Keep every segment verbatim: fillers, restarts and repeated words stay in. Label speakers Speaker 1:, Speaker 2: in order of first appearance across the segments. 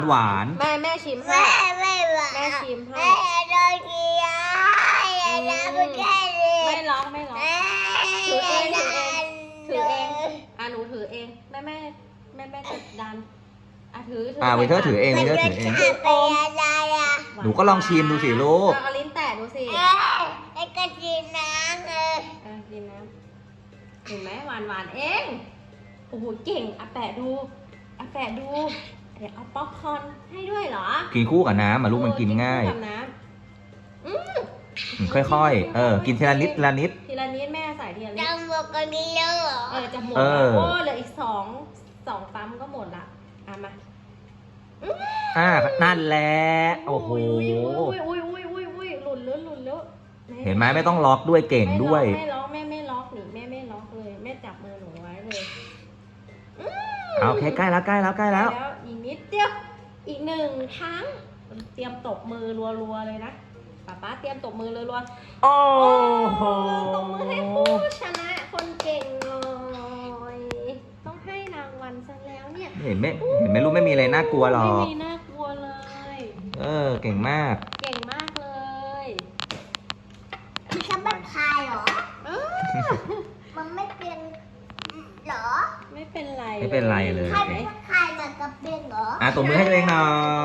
Speaker 1: หวาน
Speaker 2: แม่แม่ชิมให้
Speaker 3: แม่ไม่หวาน
Speaker 2: แม่ชิมให้
Speaker 3: แม่โดนกินอย่าทำไม่ได้เลย
Speaker 2: ไม่ร้องไม่ร้อง
Speaker 3: แม่
Speaker 2: ถือเองถือเอง ถือเอง
Speaker 3: แม่
Speaker 2: อ่ะหนูถือเองแม่แม่แม่แม่จะดันอ่ะถือ
Speaker 1: อ่าวินเทอร์ถือเองวินเทอร์ถือเอง
Speaker 3: มันเป็นอะไรอ่ะ
Speaker 1: หนูก็ลองชิมดูสิลูก
Speaker 2: เอาลิ้นแตะดูสิ
Speaker 3: เอ้ยไอ้กระจีน้ำเลย
Speaker 2: เออกินน้ำเห็นไหมหวานหวานเอง โอ้โหเก่งอ่ะแปะดูอ่ะแปะดูเดี๋ยวเอาป๊อปคอร์นให้ด้วยเหรอ
Speaker 1: กินคู่กับน้ำอ่ะลูกมันกินง่าย
Speaker 2: คู่กับน้ำอืม
Speaker 1: อืมค่อยๆ เออ กินทีละนิดทีละนิด
Speaker 2: ทีละนิดแม่ใส่ทีละนิด
Speaker 3: จำบอกกันนี้แล้วเหรอ
Speaker 2: เออจะหมด
Speaker 1: เอ
Speaker 2: แล้ว
Speaker 1: อ
Speaker 2: โอ้เหลืออีกสองสองปั๊มก็หมดละอ่ะมา
Speaker 1: อ่านั่นแหละโอ้โห
Speaker 2: อุ้ยอุ้ยอุ้ยอุ้ยอุ้ยหลุดแล้วหลุดแล้ว
Speaker 1: เห็นไหมไม่ต้องล็อกด้วยเก่งด้วย
Speaker 2: ไม่ล็อกแม่ไม่ล็อกหนิแม่ไม่ล็อกเลยแม่จับมือหนูไว้เลย
Speaker 1: เอาโอเคใกล้แล้วใกล้แล้วใกล้แล้ว
Speaker 2: อีกนิดเดียวอีกหนึ่งครั้งเตรียมตบมือรัวๆเลยนะป๊าป๊าเตรียมตบมือรัวๆ
Speaker 1: โอ้โห
Speaker 2: ตบมือให้ผู้ชนะคนเก่งเลยต้องให้รางวัลซะแล้วเนี่ย
Speaker 1: เห็นไหมเห็นไหมลูกไม่มีอะไรน่ากลัวหรอก
Speaker 2: ไม่มีน่ากลัวเลย
Speaker 1: เออ เก่งมาก
Speaker 2: เก่งมากเลย
Speaker 3: จะไม่พายเหรอ
Speaker 2: เออ
Speaker 3: มันไม่เป็นเหรอ
Speaker 2: ไม่เป็นไร
Speaker 1: ไม่เป็นไรเลย
Speaker 3: ใครเป็นใครมากระเป็นเหรอ
Speaker 1: อ่ะตบมือให้ตัวเองหน่อย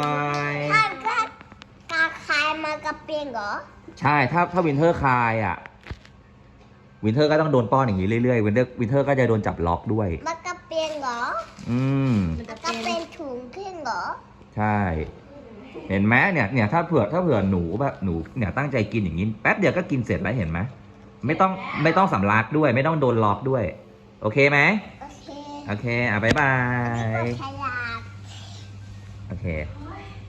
Speaker 3: ใครก็กาใครมากระเป็นเหรอ
Speaker 1: ใช่ ถ้าถ้าวินเทอร์คลายอ่ะ วินเทอร์ก็ต้องโดนป้อนอย่างนี้เรื่อยๆ วินเทอร์วินเทอร์ก็จะโดนจับล็อกด้วย
Speaker 3: มากระเป็นเหรอ
Speaker 1: อืม
Speaker 2: มัน
Speaker 3: มา
Speaker 2: จะ
Speaker 3: กระ
Speaker 2: เป็
Speaker 3: เป็น นถุงขึ้นเหรอ
Speaker 1: ใช่ เห็นไหมเนี่ยเนี่ยถ้าเผื่อถ้าเผื่อหนูแบบหนูเนี่ยตั้งใจกินอย่างนี้แป๊บเดียวก็กินเสร็จแล้วเห็นไหมไม่ต้องไม่ต้องสำลักด้วย ไม่ต้องโดนล็อกด้วย โอเคไหม
Speaker 3: โอเค
Speaker 1: โอเค อ่ะบ๊ายบาย
Speaker 3: ฉลาด
Speaker 1: โอเค